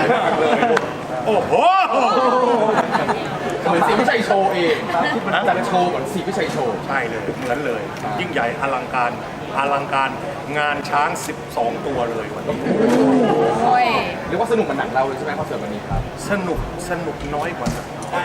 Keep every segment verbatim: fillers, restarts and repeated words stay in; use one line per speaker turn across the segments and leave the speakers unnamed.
โอ้โห
เหมือนสีวิชัยโชว์เองมันจะโชว์เหมือนสีวิชัยโชว์
ใช่เลยเหมือนเลย ยิ่งใหญ่อลังการอลังการงานช้างสิบสองตัวเลยวันนี้
เรียกว่าสนุกเหมือนหนังเราเลยใช่ไหมคอนเสิร์ตวันนี้ครับ
สนุกสนุกน้อยกว่า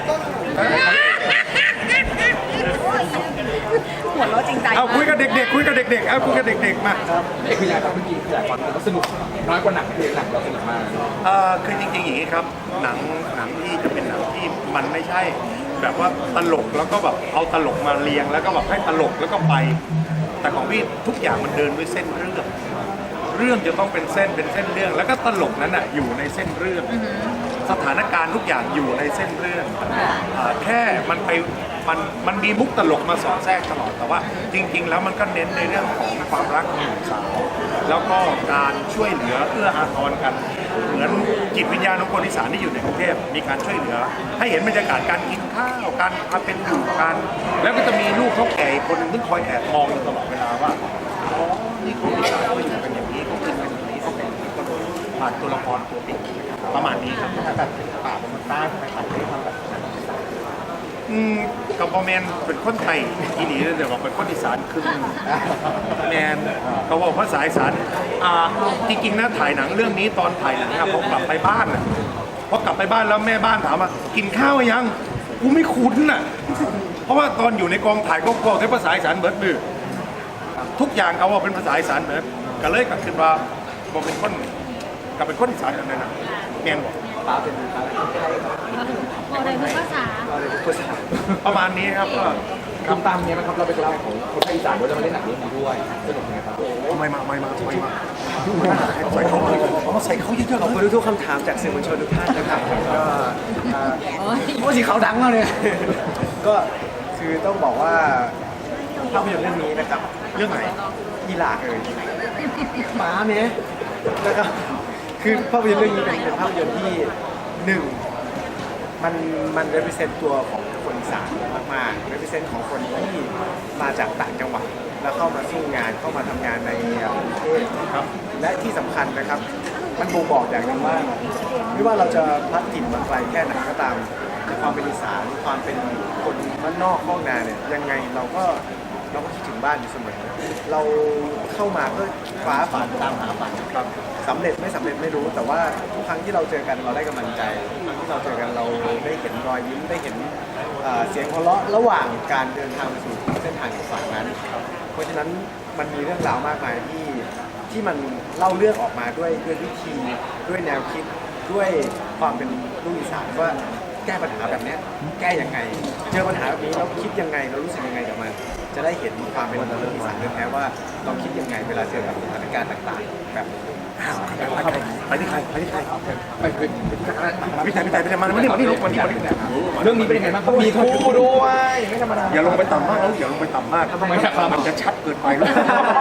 หัวเราะจริงใจ
เอาคุยกับเด็กๆคุยกับเด็กๆเอาคุยกับเด็กๆมา
เด็กคือยังไงครับเมื่อกี้คือหลายคนก็สนุกน้อยกว่าหนังคือหนังเราสนุกมาก
เออคือจริงๆอย่างนี้ครับหนังหนังที่จะเป็นหนังที่มันไม่ใช่แบบว่าตลกแล้วก็แบบเอาตลกมาเรียงแล้วก็แบบให้ตลกแล้วก็ไปแต่ของพี่ทุกอย่างมันเดินด้วยเส้นเรื่องเรื่องจะต้องเป็นเส้นเป็นเส้นเรื่องแล้วก็ตลกนั้นอ่ะอยู่ในเส้นเรื่องสถานการณ์ทุกอย่างอยู่ในเส้นเรื่องแค่มันไปมันมันมีมุกตลกมาสอดแทรกตลอดแต่ว่าจริงๆแล้วมันก็เน้นในเรื่องของความรักของหนุ่มสาวแล้วก็การช่วยเหลือเอื้ออาทรกันเหมือนจิตวิญญาณของคนอีสานที่อยู่ในกรุงเทพมีการช่วยเหลือให้เห็นบรรยากาศการกินข้าวการความเป็นอยู่กันแล้วก็จะมีลูกเขาแก่คนนึงที่คอยแอบมองอยู่ตลอดเวลาว่าอ๋อนี่คนอีสานเขาอยู่กันอย่างนี้เขากินกันอย่างนี้เขาเป็นก็โดยผ่านตัวละครตัวติดประมาณนี้ครับ
แบบป่าบนใต้ทำไมถ่ายได้ทำแบบ
อืมกับพ่อแมนเป็นคนไทยอีนี่เดี๋ยวบอกเป็นคนอีสานคือแมนเขาบอกภาษาอีสานอ่าจริงๆนะถ่ายหนังเรื่องนี้ตอนถ่ายหนังอะพอกลับไปบ้านอะพอกลับไปบ้านแล้วแม่บ้านถามว่ากินข้าวยังกูไม่คุ้นอะเพราะว่าตอนอยู่ในกองถ่ายก็บอกใช้ภาษาอีสานเบิร์ดมือทุกอย่างเขาว่าเป็นภาษาอีสานเบิร์ดก็เลยกลับขึ้นมาบอกเป็นคนกับเป็นคนอีสานกันเลยนะแมนบอก
ป้าเป็นป้าเป็นคนไทยครับ
อะไรทุกภาษา
อะไรทุกภาษา
ประมาณนี้ครับก็
คำตามเนี้ยนะครับเราเป็นตัวแทนของคนไทยอีสานด้วยจะมาเล่นหนังเรื่องนี้ด้วยสนุกไงครับ
ไม่มาไม่มาไม่มาใส่เขาเขาใส่เขาเยอะๆ
ขอบคุณทุกๆคำถามจากสื่อมวลชนทุกท่านนะครับก็โอ้สีเขาดังมากเลยก็คือต้องบอกว่าภาพยนตร์เรื่องนี้นะครับ
เรื่องไหน
อีหลาเอ่ยหมาเนี้ยนะครับคือภาพยนตร์เรื่องนี้เป็นเป็นภาพยนตร์ที่หนึ่งมันมัน represent ตัวของคนอีสานมากๆ represent ของคนที่มาจากต่างจังหวัดแล้วเข้ามาสู้งานเข้ามาทำงานในกรุงเทพครับและที่สำคัญนะครับมันบ่งบอกอย่างหนึ่งว่าไม่ว่าเราจะพลัดถิ่นมาไกลแค่ไหนก็ตามความเป็นอีสานความเป็นคนบ้านนอกข้องนาเนี่ยยังไงเราก็เราก็คิดถึงบ้านอยู่เสมอเราเข้ามาเพื่อฟ้าฝันตามหาฝันครับสำเร็จไม่สำเร็จไม่รู้แต่ว่าทุกครั้งที่เราเจอกันเราได้กำลังใจทุกครั้งที่เราเจอกันเราได้เห็นรอยยิ้มได้เห็นเสียงหัวเราะระหว่างการเดินทางไปสู่เส้นทางของฝันนั้นเพราะฉะนั้นมันมีเรื่องราวมากมายที่ที่มันเล่าเรื่องออกมาด้วยด้วยวิธีด้วยแนวคิดด้วยความเป็นลูกอีสานว่าแก้ปัญหาแบบนี้แก้ยังไงเจอปัญหาแบบนี้เราคิดยังไงเรารู้สึกยังไงกับมันจะได้เห็นความเป็นลูกอีสานแท้ว่าเราคิดยังไงเวลาเจอกับสถานการณ์ต่างๆแบบ
ไปที่ใครไปที่ใคร
ไปไป
พี่ชายพี่ชายพี่ชายมาไม่ได้มาที่ลูกมาที่มาที่
เรื่องนี้เป็นยังไงบ้างมีคู่ด้วยไม่ธรรมดา
อย่าลงไปต่ำมากแล้วอย่าลงไปต่ำมากทำไมมันจะชัดเกินไปแล้ว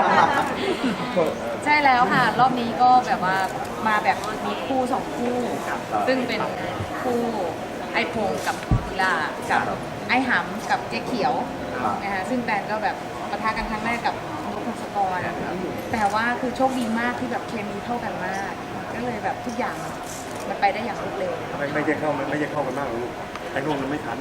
ใช่แล้วค่ะรอบนี้ก็แบบว่ามาแบบมีคู่สองคู่ซึ่งเป็นคู่ไอพงกับกุลากับไอหำกับเจ๊เขียวนะคะซึ่งแตนก็แบบปะทะกันครั้งแรกกับนุ๊กพงศกรแต่ว่าคือโชคดีมากที่แบบเคมีเข้ากันมากก็เลยแบบทุกอย่างมันไปได้อย่างรวดเร็ว
ไม่ไม่ใช่เข้าไม่ใช่เข้ากันมากลูกไอ้นู่นมันไม่ทัน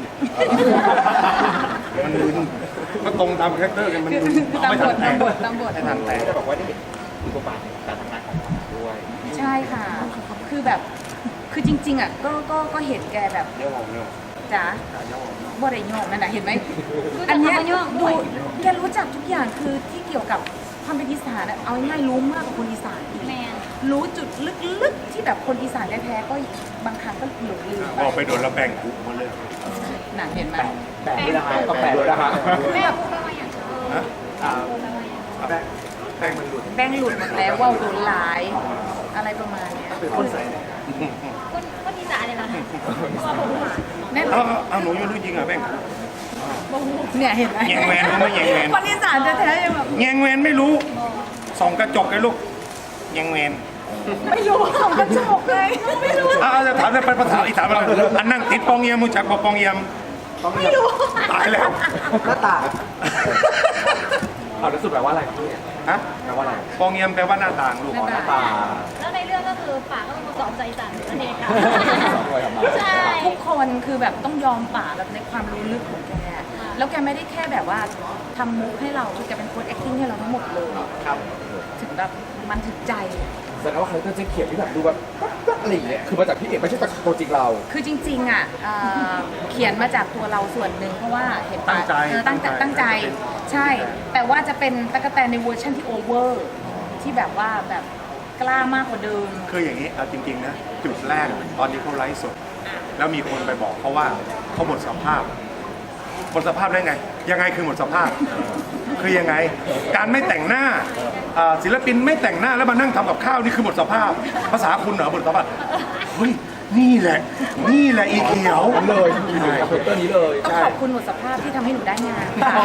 มันมึนก็ตรงตามคาแรคเตอร์กันมัน
ตามบทตามบทตามบท
ไม่ทันแต่
จะบอกว่าได้เห็นบทบาทการทำงานของเขาด้วย
ใช่ค่ะคือแบบคือจริงๆอ่ะก็ก็ก็เห็นแกแบบ
เยอะมองเยอะ
จ๋าบ่ได้โยงนั่นแหละเห็นไหมอันนี้ดูแกรู้จักทุกอย่างคือที่เกี่ยวกับความเป็นอีสานเอาง่ายๆรู้มากกว่าคนอีสานอีกรู้จุดลึกๆที่แบบคนอีสานแท้ๆก็บางครั้งก็หลงลืมไป
บอกไปโดนแล้วแบ่งกลุ่มมาเลย
หนังเห็นไหม
แบ่งด้วยนะคะก็แบ่งด้วยนะคะ
แม่พูดว่าอย่างไร
แบ่งแบ่งมันหลุด
แบ่งหลุดหมดแล้วว่าโดนหลายอะไรประมาณนี้
เป็นคนใส่
คนคนอีสานเนี่ยนะแม่
เอาหนูยังรู้จริงอ่ะแบ่ง
เนี่ยเห็นไหม
แยงแวนรู้ไหมแยงแวน
คนอีสานแท้ๆยังแบบ
แยงแวนไม่รู้ส่องกระจกเลยลูกแยงแวน
ไม่รู้ส่องกระจกเลยไม่รู้
อ่าจะถามจะไปภาษาอีสานเราอันนั่งติดปองเยี่ยมมุจักปองเยี่ยม
ไม่รู้
ตายแล้ว
หน้าตา
เอาแล้วสุดแปลว่าอะไรพี่
ฮะ
แปลว่าอะไร
ปองเงียมแปลว่าหน้าต่างลูก
หน้าต่าง
ป่า
แล้วในเรื่องก็คือป่าก็เป็นคนสอนใจสันนั่นเองค่ะ
สองด้วยครับมา
ใช่
ทุกคนคือแบบต้องยอมป่าแบบในความรู้ลึกของแก แล้วแกไม่ได้แค่แบบว่าทำมุกให้เราคือแกเป็นคน acting ให้เราทั้งหมดเลย
ครับ
ถึงแบบมันถึงใจ
แสดงว่าคาแรคเตอร์เจ๊เขียวที่แบบดูแบบปั๊บๆอะไรอย่างเงี้ยคือมาจากพี่เอกไม่ใช่จากตัวจริงเรา
คือจริงๆอ่ะเอ่อเขียนมาจากตัวเราส่วนหนึ่งเพราะว่าเห็นป่ะ
ตั้งใจ
เออตั้งใจตั้งใจใช่ แต่ว่าจะเป็นตะกแตนในเวอร์ชันที่โอเวอร์ที่แบบว่าแบบกล้ามากกว่าเดิม
คืออย่างนี้เอาจริงๆนะจุดแรกตอนนี้เขาไลฟ์สดแล้วมีคนไปบอกเขาว่าเขาหมดสภาพหมดสภาพได้ไง ยังไงคือหมดสภาพ คือยังไง การไม่แต่งหน้าอ่าศิลปินไม่แต่งหน้าแล้วมานั่งทำกับข้าวนี่คือหมดสภาพ ภาษาคุณเหรอหมดสภาพเฮ้ยนี่แหละ นี่แหละอีเขียว
เลยคาแรคเตอร์นี้เลย
ต้องขอบคุณหมดสภาพที่ทำให้หนูได้งาน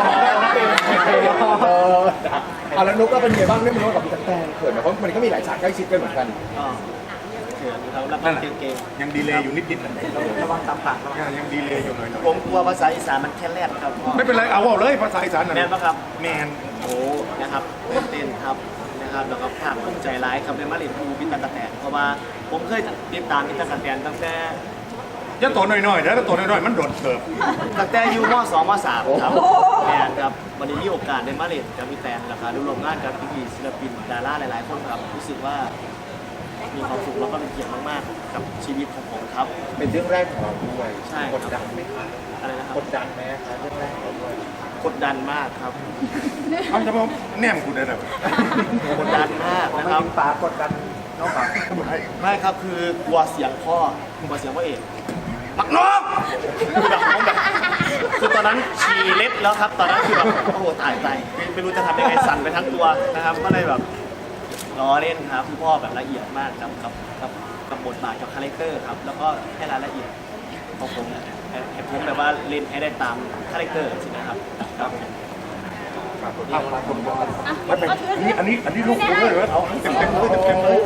เออเอาแล้วนุกก็เป็นไงบ้างได้มาร่วมกับพี่ตั๊กแตนเขินไหมเพราะมันก็มีหลายฉากใกล้ชิดกันเหมือนกัน
เขินครับแล้วก็
นั่นแหละ
เก่ง
ยังดีเลย์อยู่นิดๆนะ
ๆระวังตามปากระวัง
ยังยังดีเลย์อยู่หน่อย
ผมกลัวภาษาอีสานมันแค่แรกครับพ่อ
ๆไม่เป็นไรเอาเอาเลยภาษาอีสานน่ะ
แมนปะครับ
แมน
โอ้นะครับตื่นเต้นครับนะครับแล้วก็ภาคภูมิใจร้ายครับในมาเรียนภูพิตากะแตนเพราะว่าผมเคยติดตามพิตากะแตนตั้งแต่
จะตัวน้อยๆแล้วตัวน้อยๆมันโดดเสิร์ฟ
ตั้งแต่อยู่ม สองม สามครับแมนครับวันนี้มีโอกาสได้มาเรียนกับพี่แตนแล้วก็ได้ร่วมงานกับพี่ๆศิลปินดาราหลายๆคนครับรู้สึกว่ามีความสุขแล้วก็เป็นเกียรติมากๆกับชีวิตของผมครับ
เป็นเรื่องแรกของเราด้วย
ใช่
กดดันไหมครับ
อะไรนะครับ
กดดันไหมครับเรื่องแรกของเราด้วย
กดดันมากครับ
เอาจะมาแนมกูได้แบบ
กดดันมาก
ไม่
นะครับ
กินปลากดดันน้องปลา
ไม่ครับคือกลัวเสียงพ่อกลัวเสียงพ่อเอก
มักนก
คือแบบผมแบบคือตอนนั้นฉี่เล็ดแล้วครับ ตอนนั้นคือแบบโอ้โหตายตายไม่ไม่รู้จะทำยังไงสั่นไปทั้งตัวนะครับ ก็เลยแบบล้อเล่นครับคุณพ่อแบบละเอียดมากกับกับกับกับบทบาทกับคาแรคเตอร์ครับ แล้วก็ให้รายละเอียดของผมให้ให้ผมแบบว่าเล่นให้ได้ตามคาแรคเตอร์ใช่ไหมครับครับผม
เอาปลาคนก่อนไม่เป็นอันนี้อันนี้อันนี้ลูกกูเลยเหรอเอาเต็มเต็มๆเลยเต็มเต็มๆเลย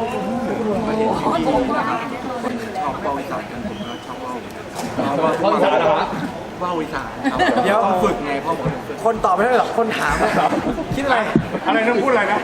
ชอบว่าวอีสานกันผมก็ชอบว่าว
พ่อสารนะครับ
ว่าวอีสานครับ
เดี๋ยว
ฝึกไงพ่อผมถึงฝึก
คนตอบไม่ได้หรอกคนถามเลยคิดอะไร
อะไรนะพูดอะไรนะ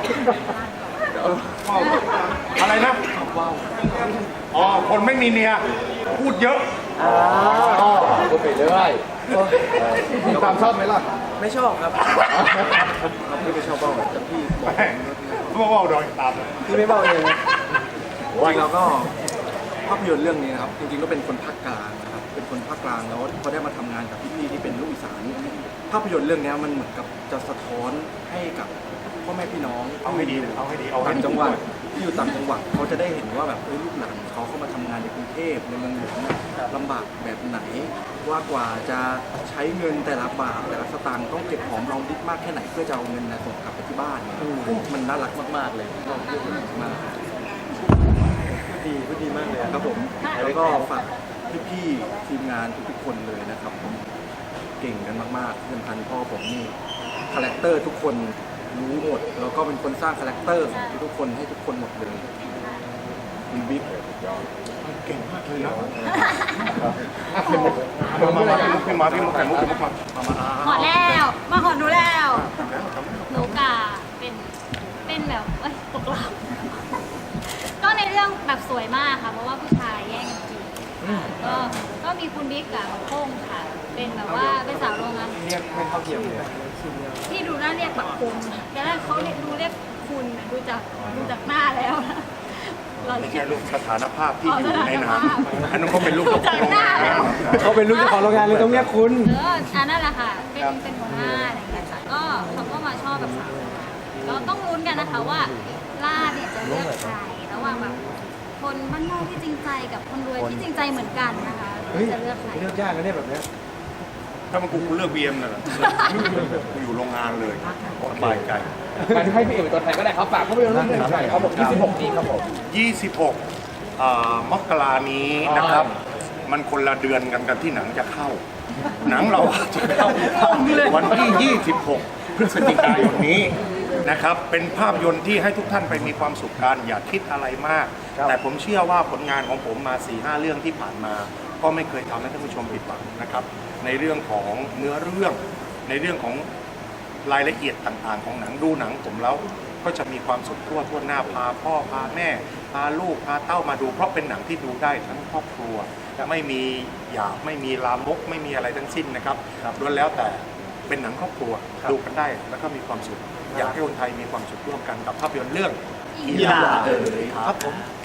อะไรนะ
ชอบว่าว
อ๋อคนไม่มีเมียพูดเยอะ
อ๋อพูดไปเรื่อยตามชอบไหมล่ะ
ไม่ชอบครับ
เราพี่ไม่ชอบว่าวแต่พี่บอก
แม่งเขาบอกว่าเอาดอยตามเลย
พี่ไม่เบาเอง
จริงๆเราก็ภาพยนตร์เรื่องนี้นะครับ จริงๆก็เป็นคนภาคกลางนะครับเป็นคนภาคกลางแล้วพอได้มาทำงานกับพี่ๆที่เป็นลูกอีสานภาพยนตร์เรื่องนี้มันเหมือนกับจะสะท้อนให้กับพ่อแม่พี่น้อง
เอาให้ดีเอาให้ดีเอาให้
ต่าง
ดี
จังหวัดที่อยู่ต่างจังหวัดเขาจะได้เห็นว่าแบบเอ้ยลูกหลานเขาเข้ามาทำงานในกรุงเทพในเมืองหลวงเนี่ยลำบากแบบไหนว่ากว่าจะใช้เงินแต่ละบาทแต่ละสตางค์ต้องเก็บหอมรอมริบมากแค่ไหนเพื่อจะเอาเงินนะส่งกลับไปที่บ้านเนี่ยมันน่ารักมากๆเลยก็เรื่องนี้มากดีก็ดีมากเลยครับผมแล้วก็ฝากพี่ๆทีมงานทุกๆคนเลยนะครับผมเก่งกันมากๆที่สำคัญพ่อผมนี่คาแรคเตอร์ทุกคนรู้หมดแล้วก็เป็นคนสร้างคาแรคเตอร์ของทุกคนให้ทุกคนหมดเลยคุณบิ๊ก
เก่งมากเลยนะมามามาพี่มาพี่มาไข่มุกไข่มุกมามามา
หอแล้ว มาหอหนูแล้วหนูกาเป็นเป็นแบบเอ้ยตกหลับก็ในเรื่องแบบสวยมากค่ะ เพราะว่าผู้ชายแย่งกันจีบค่ะก็ก็มีคุณบิ๊กกับโค้งค่ะ เป็นแบบว่าเป็นสาวโรงงาน
เรียกไม่เท่าเทียมเลย
ที่ดูน่าเรียกแบบคุณแต่แรกเขาเรียกดูเรียกคุณน่ะดูจากดูจากหน้าแล้วนะเรา
ไม่
เรี
ใช่
ยก
ลูกสถานภาพที่อยู่ในน้ำอันนั้นเขาเป็นลูก
จากหน้าแล้ว
เขาเป็นลูกเจ้าของโรงงานเลยต้องเรียกคุณ
เอออันนั่นแหละค่ะ เป็นเป็นหัวหน้าอะไรอย่างเงี้ยค่ะ ก็เขาก็มาชอบแบบสาวเราต้องลุ้นกันนะคะว่าล่าเนี่ยจะเลือกใครระหว่างแบบคนบ้านนอกที่จริงใจกับคนรวยที่จริงใจเหมือนกันนะคะ
เฮ้ย
จะเลือกใคร
เลือกยากนะเนี่ยแบบเนี้ย
ถ้ามันกูกูเลือกบีเอ็มน่ะกูอยู่โรงงานเลยสบายใจ
งั้นให้พี่เอกเป็นตัวแทนก็ได้ครับฝากภาพยนตร์เรื่องนี้หน่อยครับผมยี่สิบหกนี้ครับผม
ยี่สิบหกอ่ามกรานี้นะครับ มันคนละเดือนกันกันที่หนังจะเข้า หนังเราจะเข้าวันที่ยี่สิบหกพฤศจิกายนนี้นะครับ เป็นภาพยนตร์ที่ให้ทุกท่านไปมีความสุขกันอย่าคิดอะไรมาก แต่ผมเชื่อว่าผลงานของผมมา สี่ห้า เรื่องที่ผ่านมา ก็ไม่เคยทำให้ท่านผู้ชมผิดหวังนะครับ ในเรื่องของเนื้อเรื่องในเรื่องของรายละเอียดต่างๆ ของหนังดูหนังผมแล้วก็จะมีความสุขทั่วทั่วหน้าพาพ่อพาแม่พาลูกพาเต้ามาดูเพราะเป็นหนังที่ดูได้ทั้งครอบครัวไม่มีหยาบไม่มีลามกไม่มีอะไรทั้งสิ้นนะครับล้วนแล้วแต่เป็นหนังครอบครัวดูกันได้แล้วก็มีความสุขอยากให้คนไทยมีความสุขร่วมกันกับภาพยนตร์เรื่อง
กีฬาเอ๋ยครับผม